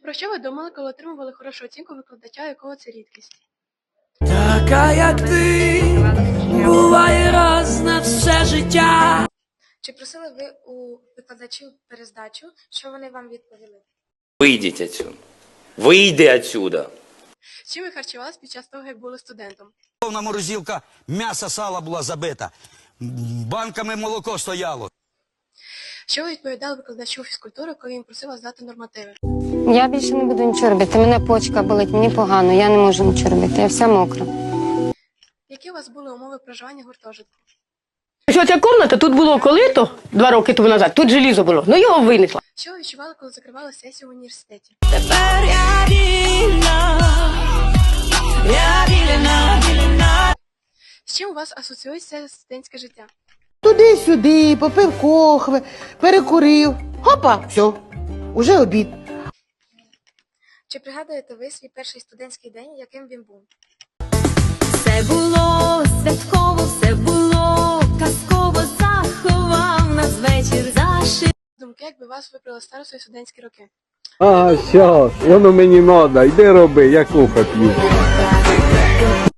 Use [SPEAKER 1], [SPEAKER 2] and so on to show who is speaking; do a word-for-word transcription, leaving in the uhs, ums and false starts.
[SPEAKER 1] Про що ви думали, коли отримували хорошу оцінку викладача, якого це рідкість?
[SPEAKER 2] Така, як ти, буває раз на все життя.
[SPEAKER 3] Чи просили ви у викладачів перездачу? Що вони вам відповіли?
[SPEAKER 4] Вийдіть отсюда. Вийди отсюда.
[SPEAKER 1] Чим ви харчувались під час того, як були студентом?
[SPEAKER 5] Повна морозилка м'яса, сала була забита. Банками молоко стояло.
[SPEAKER 1] Що ви відповідали викладачу фізкультури, коли він просив вас здати нормативи?
[SPEAKER 6] Я більше не буду нічого робити. Мене почка болить, мені погано, я не можу нічого робити. Я вся мокра.
[SPEAKER 1] Які у вас були умови проживання в гуртожитку?
[SPEAKER 7] Що ця кімната, тут було колито два роки тому назад, тут желізо було, ну його винесла.
[SPEAKER 1] Що ви відчували, коли закривали сесію в університеті?
[SPEAKER 2] Тепер я вільна, я вільна, вільна.
[SPEAKER 1] З чим у вас асоціюється студентське життя?
[SPEAKER 8] Туди-сюди, попив кохви, перекурив. Хопа, все, уже обід.
[SPEAKER 3] Чи пригадуєте ви свій перший студентський день, яким він був?
[SPEAKER 9] Все було святково, все було казково, заховав нас вечір зашив.
[SPEAKER 1] Думки, якби вас вибрали старостою студентські роки?
[SPEAKER 10] А, щас, воно мені надо, йди роби, я кофе п'ю.